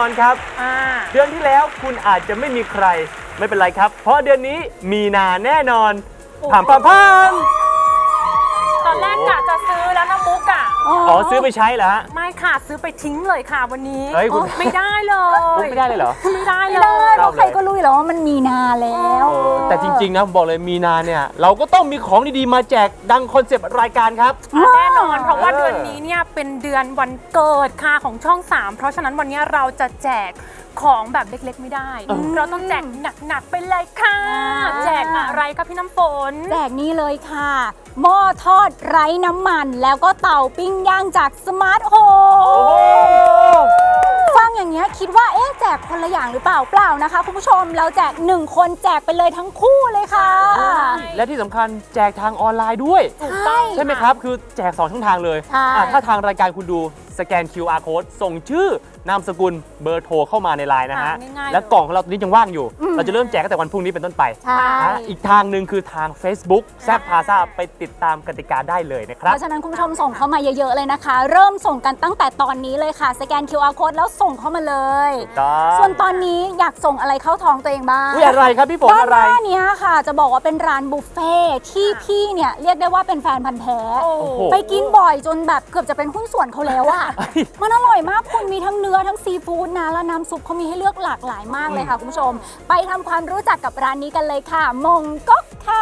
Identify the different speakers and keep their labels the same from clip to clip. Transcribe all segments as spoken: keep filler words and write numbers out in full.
Speaker 1: อนครับเดือนที่แล้วคุณอาจจะไม่มีใครไม่เป็นไรครับเพราะเดือนนี้มีนาแน่นอนผ่านผ่านผ่าน
Speaker 2: ตอนแรกกะจะซื้อแล้วนะมุกอะ
Speaker 1: อ๋อซื้อไปใช้เหรอฮะ
Speaker 2: ไม่ค่ะซื้อไปทิ้งเลยค่ะวันนี้
Speaker 1: เฮ้ยคุณ
Speaker 2: ไม่ได้เลย
Speaker 1: ไม่ได้เลยเหรอ
Speaker 2: ไม่ได้เลย
Speaker 3: เพราะใครก็รู้อยู่แล้วว่ามันมีนาแล้ว
Speaker 1: แต่จริงๆนะบอกเลยมีนาเนี่ยเราก็ต้องมีของดีๆมาแจกดังคอนเซปต์รายการครับ
Speaker 2: แน่นอนเพราะว่าเดือนนี้เนี่ยเป็นเดือนวันเกิดค่ะของช่องสามเพราะฉะนั้นวันนี้เราจะแจกของแบบเล็กๆไม่ได้เราต้องแจกหนักๆไปเลยค่ะแจกอะไรคะพี่น้ำฝน
Speaker 3: แจกนี่เลยค่ะหม้อทอดไร้น้ำมันแล้วก็เตาปิ้งย่างจากสมาร์ทโฮมฟังอย่างเงี้ยคิดว่าเอ๊ะแจกคนละอย่างหรือเปล่าเปล่านะคะคุณผู้ชมเราแจกหนึ่งคนแจกไปเลยทั้งคู่เลยค่ะ
Speaker 1: และที่สำคัญแจกทางออนไลน์ด้วย
Speaker 3: ใช่
Speaker 1: ใช่ไหมครับคือแจกสองช่องทางเลยถ้าทางรายการคุณดูสแกน คิว อาร์ Code ส่งชื่อนามสกุลเบอร์โทรเข้ามาในไลน์นะฮะและกล่องของเราตอนนี้ยังว่างอยู่เราจะเริ่มแจกตั้งแต่วันพรุ่งนี้เป็นต้นไปอีกทางหนึ่งคือทาง Facebook แซบพาซาไปติดตามกติกาได้เลยนะครับ
Speaker 3: เพราะฉะนั้นคุณผู้ชมส่งเข้ามาเยอะๆเลยนะคะเริ่มส่งกันตั้งแต่ตอนนี้เลยค่ะสแกน คิว อาร์ Code แล้วส่งเข้ามาเลยส่วนตอนนี้อยากส่งอะไรเข้าท้องตัวเองบ้าง
Speaker 1: อะไรครับพี่ฝนอะไร
Speaker 3: ด้านหน้านี้ค่ะจะบอกว่าเป็นร้านบุฟเฟ่ที่พี่เนี่ยเรียกได้ว่าเป็นแฟนพันธ์แท้ไปกินบ่อยจนแบบเกือบจะเป็นหุ้นส่วนเขาแล้วอะมันอร่อยมากคุณมีทั้งเนื้อทั้งซีฟู้ดนะและน้ำซุปเขามีให้เลือกหลากหลายมากเลยค่ะคุณผู้ชมไปทำความรู้จักกับร้านนี้กันเลยค่ะมงก๊กค่ะ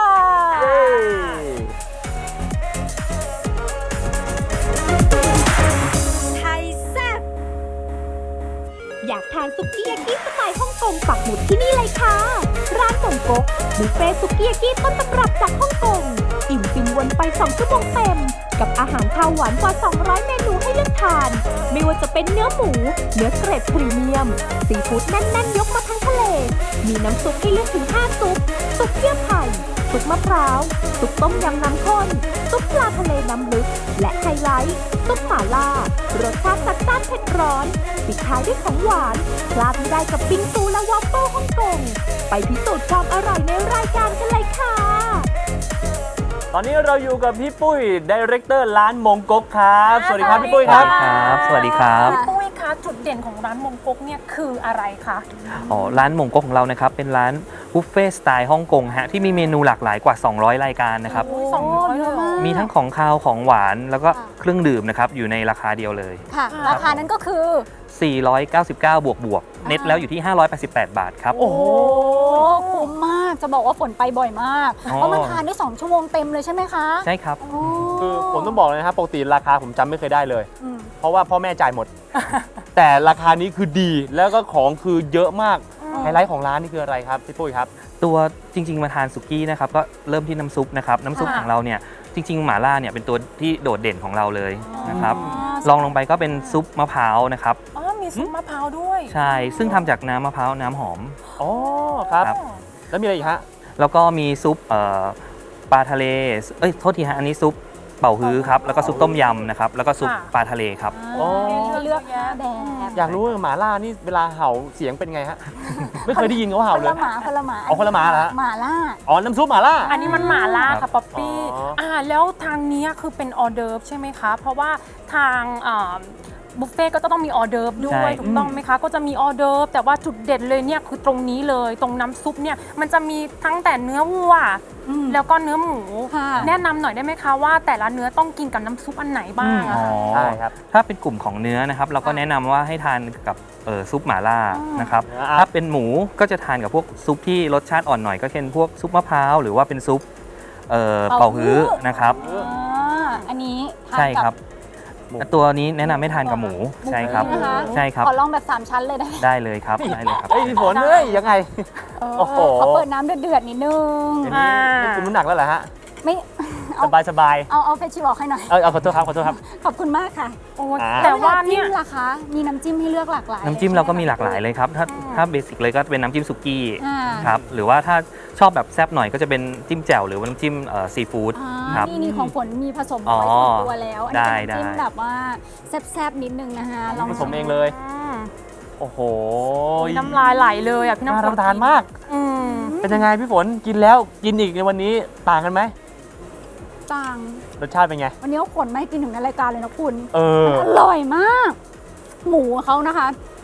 Speaker 4: ไทยแซ่บอยากทานซุกี้ยากิสไตล์ฮ่องกงปักหมุดที่นี่เลยค่ะร้านมงก๊กบุฟเฟ่ซุกี้ยากิต้นตำรับจากฮ่องกงอิ่มฟินวนไปสองชั่วโมงเต็มกับอาหารคาวหวานกว่าสองร้อยเมนูให้เลือกทานไม่ว่าจะเป็นเนื้อหมูเนื้อเกรดพรีเมียมซีฟู้ดแน่นๆยกมาทั้งทะเลมีน้ำซุปให้เลือกถึงห้าซุปซุปเยื่อไผ่ซุปมะพร้าวซุปต้มยำน้ำข้นซุปปลาทะเลน้ำลึกและไฮไลท์ซุปหม่าล่ารสชาติจัดจ้านเผ็ดร้อนปิดท้ายด้วยของหวานพลาดไม่ได้กับบิงซูและวอฟเฟิลฮ่องกงไปพิสูจน์ความอร่อยในรายการกันเลยค่ะ
Speaker 1: ตอนนี้เราอยู่กับพี่ปุ้ยดีเรคเตอร์ร้านมงก๊กครับสวัสดีครับพี่ปุ้ยครับ
Speaker 5: ครับสวัสดีครับ
Speaker 2: พี่ปุ้ยคะจุดเด่นของร้านมงก๊กเนี่ยคืออะไรคะ
Speaker 5: อ๋อร้านมงก๊กของเรานะครับเป็นร้านบุฟเฟ่สไตล์ฮ่องกงฮะที่มีเมนูหลากหลายกว่าสองร้อยรายการนะครับ
Speaker 2: สองร้อยเลย
Speaker 5: มีทั้งของคาวของหวานแล้วก็เครื่องดื่มนะครับอยู่ในราคาเดียวเลย
Speaker 3: ค่ะราคานั้นก็คือ
Speaker 5: สี่ร้อยเก้าสิบเก้าบวกบวกเน็ตแล้วอยู่ที่ห้าร้อยแปดสิบแปดบาทครับ
Speaker 3: โอ้โหคุ้มมากจะบอกว่าฝนไปบ่อยมากเพราะมันทานได้สองชั่วโมงเต็มเลยใช่ไหมคะ
Speaker 5: ใช่ครับ
Speaker 1: คือผมต้องบอกเลยนะครับปกติราคาผมจำไม่เคยได้เลยเพราะว่าพ่อแม่จ่ายหมดแต่ราคานี้คือดีแล้วก็ของคือเยอะมากไฮไลท์ของร้านนี่คืออะไรครับพี่ปุ้ยครับ
Speaker 5: ตัวจริงๆมาทานสุกี้นะครับก็เริ่มที่น้ำซุปนะครับน้ำซุปของเราเนี่ยจริงๆหม่าล่าเนี่ยเป็นตัวที่โดดเด่นของเราเลยนะครับลองลงไปก็เป็นซุปมะพร้าวนะครับ
Speaker 2: อ๋อมีซุปมะพร้าวด้วย
Speaker 5: ใช่ซึ่งทำจากน้ำมะพร้าวน้ำหอม
Speaker 1: อ๋อครับแล้วมีอะไรอีกฮะ
Speaker 5: แล้วก็มีซุปปลาทะเลเอ้ยโทษทีฮะอันนี้ซุปเป่าฮื้อครับแล้วก็ซุปต้มยำนะครับแล้วก็ซุปปลาทะเลครับ
Speaker 3: อ๋อเลือกแบบ
Speaker 1: อยากรู้ว่าหม่าล่านี่เวลาเห่าเสียงเป็นไงฮะไม่เคยได้ยินเขาเห่าเลย
Speaker 3: คนละหมาคนละหมา
Speaker 1: เอาคนละหมาเหรอ
Speaker 3: หม่าล่า
Speaker 1: อ๋อน้ำซุปหม่าล่า
Speaker 2: อันนี้มันหม่าล่าค่ะป๊อปปี้อ่าแล้วทางนี้คือเป็นออเดิร์ฟใช่ไหมคะเพราะว่าทางบุฟเฟ่ก็ต้องมีออเดิร์ฟด้วยถูกต้องไหมคะก็จะมีออเดิร์ฟแต่ว่าจุดเด่นเลยเนี่ยคือตรงนี้เลยตรงน้ำซุปเนี่ยมันจะมีทั้งแต่เนื้อวัวแล้วก็เนื้อหมูแนะนำหน่อยได้ไหมคะว่าแต่ละเนื้อต้องกินกับน้ำซุปอันไหนบ้าง
Speaker 5: ใช่ครับถ้าเป็นกลุ่มของเนื้อนะครับเราก็แนะนำว่าให้ทานกับซุปหม่าล่านะครับถ้าเป็นหมูก็จะทานกับพวกซุปที่รสชาติอ่อนหน่อยก็เช่นพวกซุปมะพร้าวหรือว่าเป็นซุปเป่าฮื้อนะครับ
Speaker 3: อันนี้
Speaker 5: ใช่ครับตัวนี้แนะนำไม่ทานกับหมูใช่ครับใช่ครับ
Speaker 3: ขอลองแบบสามชั้นเลยได้
Speaker 5: ได้เลยครับได้เลยครับ
Speaker 1: เฮ้ยพี่ฝนเฮ้ยยังไง
Speaker 3: โอ้โหเขาเปิดน้ำเดือดๆนิดนึง
Speaker 1: นี่คุมน้ำหนักแล้วเหรอฮะ
Speaker 3: ไม่
Speaker 1: สบายสบาย
Speaker 3: เอาเอาเฟชชิบอกให้หน่อย
Speaker 1: เออเอาขอโทษครับขอโทษครับ
Speaker 3: ขอบคุณมากค่ะ
Speaker 2: แต่ว่าเนี่ย
Speaker 3: ล่ะคะมีน้ำจิ้มให้เลือกหลากหลาย
Speaker 5: น้ำจิ้มเราก็มีหลากหลายเลยครับถ้าถ้าเบสิกเลยก็เป็นน้ำจิ้มสุกี้ครับหรือว่าถ้าชอบแบบแซ่บหน่อยก็จะเป็นจิ้มแจ่วหรือว่าน้ำจิ้มซีฟู้ดครับ
Speaker 3: นี่นี่ของฝนมีผสมไว้ในตัวแล้วอันนี้น้ำจิ้มแบบว่าแซ่บๆนิดนึงนะคะ
Speaker 1: ลองผสมเองเลยโอ้โห
Speaker 2: น้ำลายไหลเลยอ่ะพี่น้ำฝน
Speaker 1: น่ารับประทานมากเป็นยังไงพี่ฝนกินแล้วกินอีกในวันนี้ต่างกันไหม
Speaker 3: ต่าง
Speaker 1: รสชาติเป็นไง
Speaker 3: วันนี้เขาขนมาให้กินถึงในรายการเลยนะคุณ
Speaker 1: เออ
Speaker 3: อร่อยมากหมูเขานะคะ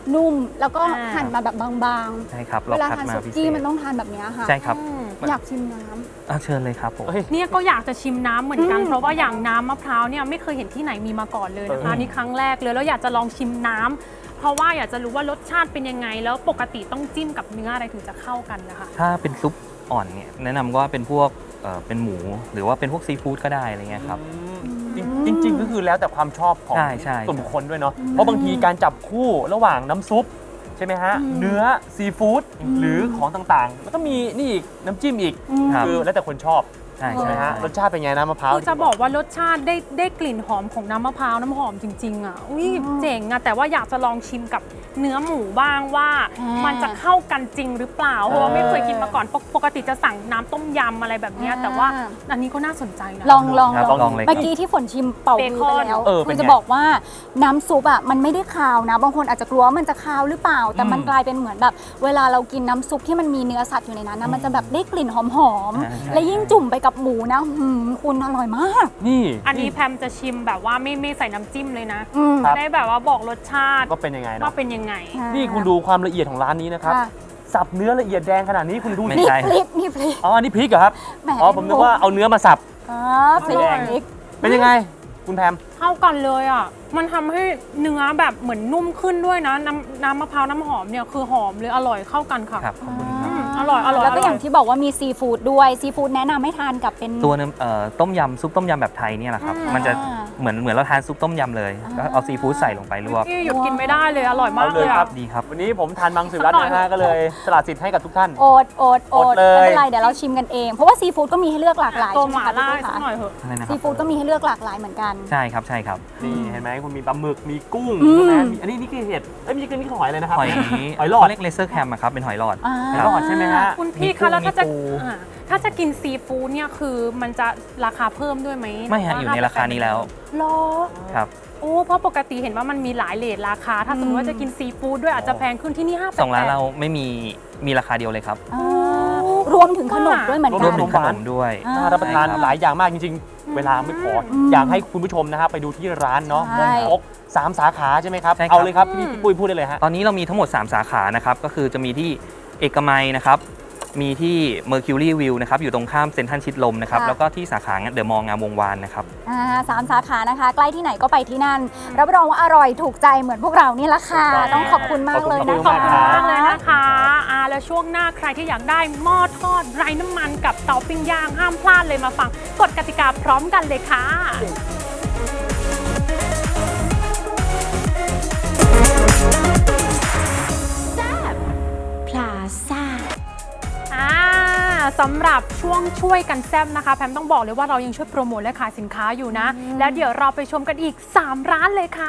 Speaker 3: นุ่มแล้วก็
Speaker 2: อ่า
Speaker 3: หั่นมาแบบบาง
Speaker 5: ใช่ครับ
Speaker 3: ๆ
Speaker 5: เรา
Speaker 3: เวลา
Speaker 5: คัด
Speaker 3: ทาน
Speaker 5: มา
Speaker 3: สุ
Speaker 5: พิเศ
Speaker 3: กี้
Speaker 5: ษ
Speaker 3: มันต้องทานแบบเนี้ยค่ะ
Speaker 5: ใช่ครับ
Speaker 2: อืม
Speaker 3: อยากชิมน้ำ
Speaker 5: อ่ะเชิญเลยครับผม
Speaker 1: เฮ้ย
Speaker 2: เนี่ยก็อยากจะชิมน้ำเหมือนกัน
Speaker 3: อืม
Speaker 2: เพราะว่าอย่างน้ำมะพร้าวเนี่ยไม่เคยเห็นที่ไหนมีมาก่อนเลยนะคะ
Speaker 1: เออ
Speaker 2: นี่ครั้งแรกเลยแล้วอยากจะลองชิมน้ำเพราะว่าอยากจะรู้ว่ารสชาติเป็นยังไง แล้วปกติต้องจิ้มกับเนื้ออะไรถึงจะเข้ากันนะคะ
Speaker 5: ถ้าเป็นซุปอ่อนเนี่ยแนะนำว่าเป็นพวกเอ่อเป็นหมู หรือว่าเป็นพวกซีฟู้ดก็ได้อะไรเงี้ยครับ
Speaker 1: จริงจริงๆก็คือแล้วแต่ความชอบของ
Speaker 5: ใช่ใช่
Speaker 1: ส่วนบุคคลด้วยเนาะเพราะบางทีการจับคู่ระหว่างน้ำซุปใช่ไหมฮะ
Speaker 3: อืม
Speaker 1: เนื้อซีฟู้ดหรือของต่างๆ แล้วก็มีนี่อีกน้ำจิ้มอีก
Speaker 3: อืม
Speaker 5: ครับ
Speaker 1: คือแล้วแต่คนชอบ
Speaker 5: ใช่
Speaker 1: ใช่
Speaker 5: ใช่
Speaker 1: ไหมฮะ
Speaker 5: ใช่
Speaker 1: รสชาติเป็นไงน้ำมะพร้าว
Speaker 2: คือจะบอกว่ารสชาติได้ได้กลิ่นหอมของน้ำมะพร้าวน้ำหอมจริง ๆ อ่ะอุ้ย
Speaker 3: อืม
Speaker 2: เจ๋งอ่ะแต่ว่าอยากจะลองชิมกับเนื้อหมูบ้างว่า
Speaker 3: อ่ามั
Speaker 2: มันจะเข้ากันจริงหรือเปล่าเพราะว่าไม่เคยกินมาก่อนปกปกติจะสั่งน้ำต้มยำอะไรแบบเนี้ยแต่ว่าอันนี้ก็น่าสนใจนะ
Speaker 3: ลองลอง
Speaker 5: ครับ
Speaker 3: ลอง
Speaker 5: ลองเลยครับ
Speaker 3: เมื่อกี้ที่ฝนชิมเป่ามือไปแล้ว
Speaker 1: เออ
Speaker 3: คื
Speaker 1: เป็น
Speaker 3: อ
Speaker 1: ไง
Speaker 3: จะบอกว่าน้ำซุปอ่ะมันไม่ได้คาวนะ บางคนอาจจะกลัวว่ามันจะคาวหรือเปล่า แต่มัน
Speaker 1: อืม
Speaker 3: กลายเป็นเหมือนแบบ เวลาเรากินน้ำซุปที่มันมีเนื้อสัตว์อยู่ในนั้นนะมันจะแบบได้กลิ่นหอม
Speaker 5: ใช่ใช่
Speaker 3: ๆและยิ่งจุ่มไปกับหมูนะหืมคุณอร่อยมาก
Speaker 1: นี่
Speaker 2: อันนี้แพมจะชิมแบบว่าไม่ไม่ใส่น้ำจิ้มเลยนะ
Speaker 3: อืม
Speaker 1: ครั
Speaker 2: จะ
Speaker 1: บ
Speaker 2: ได้แบบว่าบอกรสชาติ
Speaker 1: ก็เป็นยังไง
Speaker 2: ว่า
Speaker 1: เนาะ
Speaker 2: เป็นยังไง
Speaker 1: นี่คุณดูความละเอียดของร้านนี้นะครับ
Speaker 3: ค่ะ
Speaker 1: สับเนื้อละเอียดแดงขนาดนี้คุณดู
Speaker 5: ไม่
Speaker 1: สิ
Speaker 3: นี่
Speaker 5: ใช่
Speaker 3: พริกนี่พริก
Speaker 1: อ๋ออันนี้พริกเหรอครับ
Speaker 3: แหม
Speaker 1: อ๋อผมนึกว่าเอาเนื้อมาสับ
Speaker 3: อ๋อพริก
Speaker 1: แดง
Speaker 3: พริก
Speaker 1: เป็นยังไงคุณแพม
Speaker 2: เข้ากันเลยอ่ะ มันทำให้เนื้อแบบเหมือนนุ่มขึ้นด้วยนะ น้ำน้ำมะพร้าวน้ำหอมเนี่ยคือหอมเลยอร่อยเข้ากันค่ะ
Speaker 5: ครับขอบคุณครับ
Speaker 2: อืมอร่อยอร่อย
Speaker 3: แล้วก็
Speaker 2: อ
Speaker 3: อ
Speaker 2: ร่อย
Speaker 3: ย่างที่บอกว่ามีซีฟู้ดด้วยซีฟู้ดแนะนำให้ทานกับเป็น
Speaker 5: ตัวน้ำเอ่อต้มยำซุปต้มยำแบบไทยเนี่ยแหละครับ
Speaker 2: อืม
Speaker 5: มันจะเหมือนเหมือนเราทานซุปต้มยำเลยก็เอาซีฟู้ดใส่ลงไปลวก
Speaker 2: ที่หยุดกินไม่ได้เลยอร่อยมาก
Speaker 1: เอาเล
Speaker 2: เลย ย
Speaker 1: ครั
Speaker 2: อ่ะ
Speaker 1: บ
Speaker 5: ดีครับ
Speaker 1: วันนี้ผมทานมังสวิรัต
Speaker 2: สักหน่อย
Speaker 1: นะฮะก็เลยสละสิทธิ์ให้กับทุกท่าน
Speaker 3: โอดโอดโอ
Speaker 1: อ
Speaker 3: ด
Speaker 1: ดเลย
Speaker 3: ไม่เป็นไรเดี๋ยวเราชิมกันเอง เพราะว่าซีฟู้ดก็มีให้เลือกหลากหลาย
Speaker 2: ตัว
Speaker 3: ใช่
Speaker 2: ห
Speaker 3: ไหม
Speaker 2: ม่า
Speaker 3: คะ
Speaker 2: ล่า
Speaker 3: พี่
Speaker 2: สัก
Speaker 3: คะ
Speaker 2: หน่อยเถอะ
Speaker 5: อะไรนะค
Speaker 3: ซี
Speaker 5: รับ
Speaker 3: ฟู้ดก็มีให้เลือกหลากหลายเหมือนกัน
Speaker 5: ใช่ครับใช่ครับ
Speaker 1: นี่เห็นไหมคุณมีปลาหมึกมีกุ้ง
Speaker 3: อืม
Speaker 1: ใช่ไหมมีอันนี้นี่คือเห็ดเอ้ยไม่ใช่คือนี่คือหอยเลยนะครับ
Speaker 5: หอย
Speaker 1: หอยหลอด
Speaker 5: เขาเรียกเลเซอร์แคมครับเป็นหอยหลอด
Speaker 3: อ่า
Speaker 1: หอยหลอดใช่ไหมฮะ
Speaker 2: คุณพี่
Speaker 5: มีกุ้
Speaker 2: คะ
Speaker 5: ง
Speaker 2: แล้วถ้าจะ
Speaker 5: มีปู
Speaker 2: อ่าถ้าจะกินซีฟู้ดเนี่ยคือมันจะราคาเพิ่มด้วยไหม
Speaker 5: ไม่ฮะอยู่ในราคานี้แล้ว
Speaker 2: หรอ
Speaker 5: ครับ
Speaker 2: โอ้เพราะปกติเห็นว่ามันมีหลายเลทราคา ถ้าสมมติว่าจะกินซีฟู้ดด้วยอาจจะแพงขึ้นที่นี่ห้าแปด
Speaker 5: สองร้านเราไม่มีมีราคาเดียวเลยครับ
Speaker 3: อ่ารวมถึงขนมด้วยเหมือน
Speaker 5: ร
Speaker 3: กั
Speaker 5: วม
Speaker 3: น
Speaker 5: ถึงขนมด้วย
Speaker 3: อ่า
Speaker 1: น่ารับประทาน
Speaker 5: ใช่ครับ
Speaker 1: หลายอย่างมากจริง ๆ เวลาไม่พออ
Speaker 3: ม
Speaker 1: อยากให้คุณผู้ชมนะฮะไปดูที่ร้านเนาะ
Speaker 3: ใช่
Speaker 1: มงคกสามสาขาใช่ไหมครับ
Speaker 5: ใช่ครับ
Speaker 1: เอาเลยครับพี่พี่ปุ้ยพูดได้เลยฮะ
Speaker 5: ตอนนี้เรามีทั้งหมด สาม สาขานะครับก็คือจะมีที่เอกมัยนะครับมีที่ Mercury View นะครับอยู่ตรงข้ามเซ็นทรัลชิดลมนะครับ
Speaker 3: ค่ะ
Speaker 5: แล้วก็ที่สาขาเดอะมอลล์งามวงวานนะครับ
Speaker 3: อ่าสามสาขานะคะ ใกล้ที่ไหนก็ไปที่นั่น รับรองว่าอร่อยถูกใจเหมือนพวกเรานี่ละค่ะ
Speaker 1: ถูกต้อง
Speaker 3: ต้องขอบคุณมากเลยนะ
Speaker 1: ข
Speaker 2: ข
Speaker 1: อ
Speaker 2: อ
Speaker 1: บบ คุ
Speaker 2: คุณ ณ
Speaker 1: มาก
Speaker 2: มากเลยนะคะอ่าแล้วช่วงหน้าใครที่อยากได้หม้อทอดไร้น้ำมันกับเตาปิ้งย่างห้ามพลาดเลยมาฟังกฎกติกาพร้อมกันเลยค่ะ
Speaker 4: พลาซ่า
Speaker 2: อ่าสำหรับช่วงช่วยกันแซ่บนะคะแพมต้องบอกเลยว่าเรายังช่วยโปรโมทและขายสินค้าอยู่นะ แล้วเดี๋ยวเราไปชมกันอีก สาม ร้านเลยค่ะ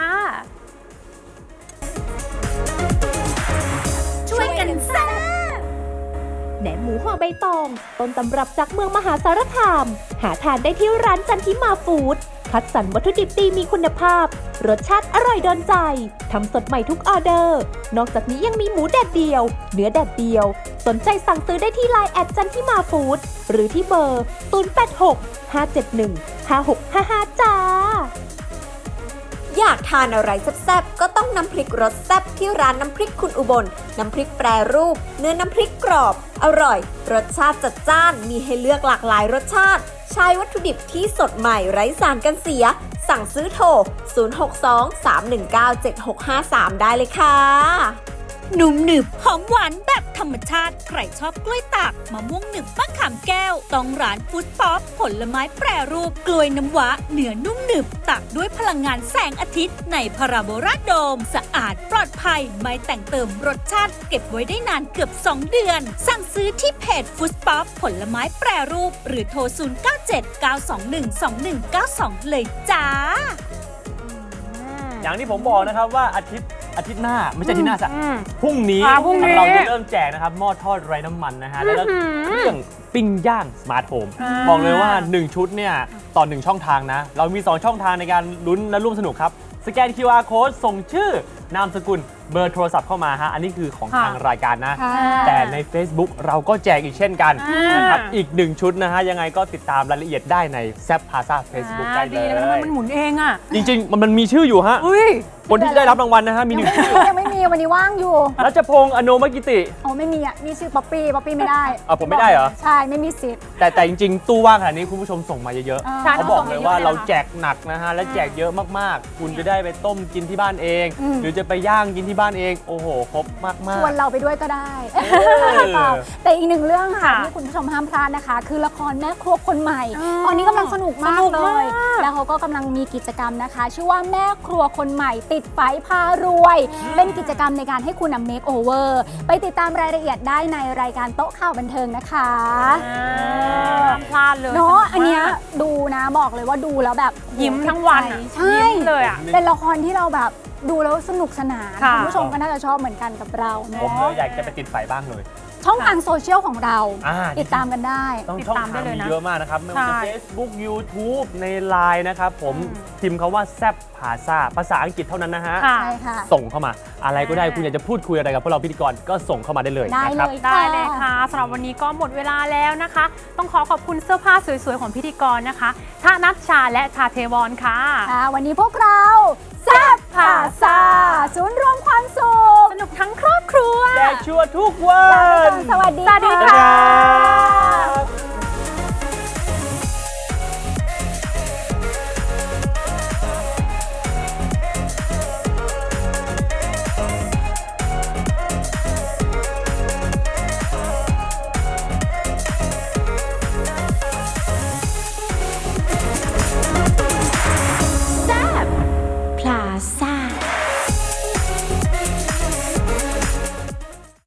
Speaker 4: ช่วยกันแซ่บแหนมหมูห่อใบตอง ต้นตำรับจากเมืองมหาสารคาม หาทานได้ที่ร้านจันทิมาฟู้ดคัดสรรวัตถุดิบดีมีคุณภาพ รสชาติอร่อยโดนใจทำสดใหม่ทุกออเดอร์ นอกจากนี้ยังมีหมูแดดเดียว เนื้อแดดเดียว สนใจสั่งซื้อได้ที่ไลน์แอดจันทิมาฟู้ดหรือที่เบอร์ ศูนย์ แปด หก ห้า เจ็ด หนึ่ง ห้า หก ห้า ห้า จ้า
Speaker 6: อยากทานอะไรแซ่บๆ ก็ต้องน้ำพริกรสแซ่บที่ร้านน้ำพริกคุณอุบล น้ำพริกแปรรูป เนื้อน้ำพริกกรอบ อร่อย รสชาติจัดจ้าน มีให้เลือกหลากหลายรสชาติ ใช้วัตถุดิบที่สดใหม่ไร้สารกันเสีย สั่งซื้อโทร ศูนย์ หก สอง สาม หนึ่ง เก้า เจ็ด หก ห้า สาม ได้เลยค่ะ
Speaker 7: หนุ่มหนึบหอมหวานแบบธรรมชาติ ใครชอบกล้วยตากมะม่วงหนึบมะขามแก้ว ต้องร้านฟู้ดป๊อปผลไม้แปรรูป กล้วยน้ำว้าเนื้อนุ่มหนึบตักด้วยพลังงานแสงอาทิตย์ในพาราโบราโดม สะอาดปลอดภัยไม่แต่งเติมรสชาติ เก็บไว้ได้นานเกือบ สอง เดือน สั่งซื้อที่เพจฟู้ดป๊อปผลไม้แปรรูป หรือโทร ศูนย์ เก้า เจ็ด เก้า สอง หนึ่ง สอง หนึ่ง เก้า สอง เลยจ้า
Speaker 1: อย่างที่ผมบอกนะครับว่าอาทิตย์อาทิตย์หน้าไม่ใช่อาทิตย์หน้าสัก
Speaker 2: อืม
Speaker 1: พรุ่งนี้
Speaker 2: อ่าพรุ่งนี้
Speaker 1: เราจะเริ่มแจกนะครับหม้อทอดไร้น้ำมันนะฮะแล้วก็
Speaker 2: อื้อหือ
Speaker 1: เครื่องปิ้งย่างสมาร์ทโฮม
Speaker 2: อ่า
Speaker 1: บอกเลยว่า หนึ่ง ชุดเนี่ยต่อ หนึ่ง ช่องทางนะ เรามี สอง ช่องทางในการลุ้นและร่วมสนุกครับ สแกน คิว อาร์ Code ส่งชื่อนามสกุลเบอร์โทรศัพท์เข้ามาฮะอันนี้คือของ
Speaker 2: ค่ะ
Speaker 1: ทางรายการนะ
Speaker 3: ค่ะ
Speaker 1: แต่ใน Facebook เราก็แจกอีกเช่นกัน
Speaker 2: อ่าน
Speaker 1: นะครับอีกหนึ่งชุดนะฮะยังไงก็ติดตามรายละเอียดได้ในแซ p พาซา Facebook ได้เล
Speaker 2: ดีนะทำไม
Speaker 1: ย
Speaker 2: มันหมุนเองอ่ะ
Speaker 1: จริงๆ มันมันมีชื่ออยู่ฮะ
Speaker 2: อุ้ย
Speaker 1: คนที่จะได้รับรางวัลนะฮะมีหนึ่งชื่อ
Speaker 3: ยังไม่มีวันนี้ว่างอยู่
Speaker 1: รัชพงษ์อโนมกิติ
Speaker 3: อ๋อไม่มีอ่ะมีชื่อป๊อปปี้ป๊อปปี้ไม่ได้
Speaker 1: อ่ะผมไม่ได้เหรอ
Speaker 3: ใช่ไม่มีสิทธิ์
Speaker 1: แต่แต่จริงๆ ตู้ว่างขนาดนี้คุณผู้ชมส่งมาเยอะ
Speaker 3: ใช่
Speaker 1: ๆเขาบอกเลยว่าเราแจกหนักนะฮะและแจกเยอะมากๆ คุณจะได้ไปต้มกินที่บ้านเอง หรือจะไปย่างกินที่บ้านเองโอ้โหครบมากๆ
Speaker 3: ชวนเราไปด้วยก็ได้
Speaker 1: อ
Speaker 3: แต่อีกหนึ่งเรื่องค่ะ
Speaker 2: ค่ะ
Speaker 3: ที่คุณผู้ชมห้ามพลาดนะคะ คือละครแม่ครัวคนใหม่
Speaker 2: อ๋อ
Speaker 3: ตอนนี้กำลังสนุกมาก
Speaker 2: สนุก
Speaker 3: เล
Speaker 2: มาก
Speaker 3: ย แล้วเขาก็กำลังมีกิจกรรมนะคะ ชื่อว่าแม่ครัวคนใหม่ติดไฟพารวย เป็นกิจกรรมในการให้คุณนำเมคโอเวอร์ไปติดตามรายละเอียดได้ในรายการโต๊ะข่าวบันเทิงนะคะ
Speaker 2: อ่าห้ามพลาดเลย
Speaker 3: เนาะ
Speaker 2: สกมก
Speaker 3: อันเนี้ยดูนะบอกเลยว่าดูแล้วแบบ
Speaker 2: ยิ้มทั้งวันอะ
Speaker 3: ใช่
Speaker 2: ยิ้มเลยอ่ะ
Speaker 3: เป็นละครที่เราแบบดูแล้วสนุกสนาน
Speaker 2: ค่ะ
Speaker 3: คุณผู้ชมก็น่าจะชอบเหมือนกันกับเรา
Speaker 1: ผม
Speaker 3: เนาะ
Speaker 1: เลยอยากจะไปติดไฟบ้างเลย
Speaker 3: ช่องทางโซเชียลของเรา
Speaker 1: อ่า
Speaker 3: ติดตามกันได้
Speaker 1: ต้อง
Speaker 2: ติด
Speaker 1: ช่อง
Speaker 2: ตามได้
Speaker 1: ทาง
Speaker 2: เลย
Speaker 1: มี
Speaker 2: นะ
Speaker 1: เยอะมากนะครับ ไม่ว่าจะ
Speaker 2: ใช่
Speaker 1: Facebook YouTube ใน ไลน์ นะครับผม
Speaker 2: อืม
Speaker 1: พิมพ์คำว่าแซบผาซาภาษาอังกฤษเท่านั้นนะฮะ
Speaker 2: ค่ะ
Speaker 3: ใช่ค่ะ
Speaker 1: ส่งเข้ามาอะไรก็ได้
Speaker 2: อ่า
Speaker 1: คุณอยากจะพูดคุยอะไรกับพวกเราพิธีกรก็ส่งเข้ามาได้เลย
Speaker 3: ได้
Speaker 1: นะค
Speaker 3: เล
Speaker 1: รับ
Speaker 3: ย
Speaker 2: ได้เลยค่ะสำหรับวันนี้ก็หมดเวลาแล้วนะคะ ต้องขอขอบคุณเสื้อผ้าสวยๆของพิธีกรนะคะท่านัชชาและชาเทวอนค่ะ
Speaker 3: ค่ะวันนี้พวกเราแซ่บผ่าซาศูนย์รวมความสุข
Speaker 2: สนุกทั้งครอบครัว
Speaker 1: แจกชัวร์ทุกวัน
Speaker 3: สวัสดี
Speaker 2: สวัสดี
Speaker 3: ค่ะ
Speaker 2: ค่ะ